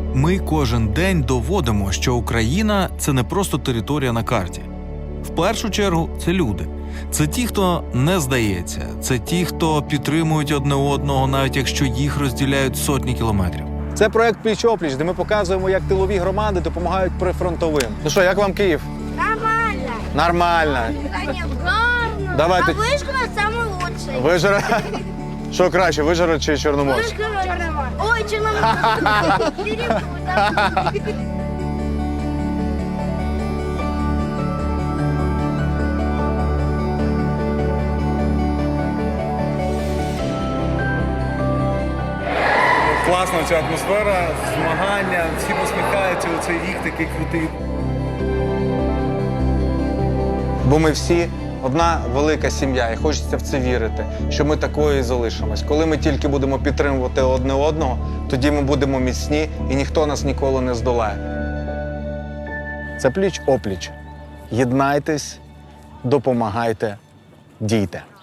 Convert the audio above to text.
Ми кожен день доводимо, що Україна – це не просто територія на карті. В першу чергу це люди. Це ті, хто не здається. Це ті, хто підтримують одне одного, навіть якщо їх розділяють сотні кілометрів. Це проект «Пліч-опліч», де ми показуємо, як тилові громади допомагають прифронтовим. Ну що, як вам Київ? Нормально. Нормально. Гарно. Давайте. А Вишгород самый лучший. Вижгород? Що краще, Вижгород чи Чорноморськ? Вишгород. Ой, Черноморск. Перепутал. Класна ця атмосфера, змагання, всі посміхаються, оцей рік такий крутий. Бо ми всі одна велика сім'я, і хочеться в це вірити, що ми такою і залишимось. Коли ми тільки будемо підтримувати одне одного, тоді ми будемо міцні і ніхто нас ніколи не здолає. Це пліч-опліч. Єднайтесь, допомагайте, дійте.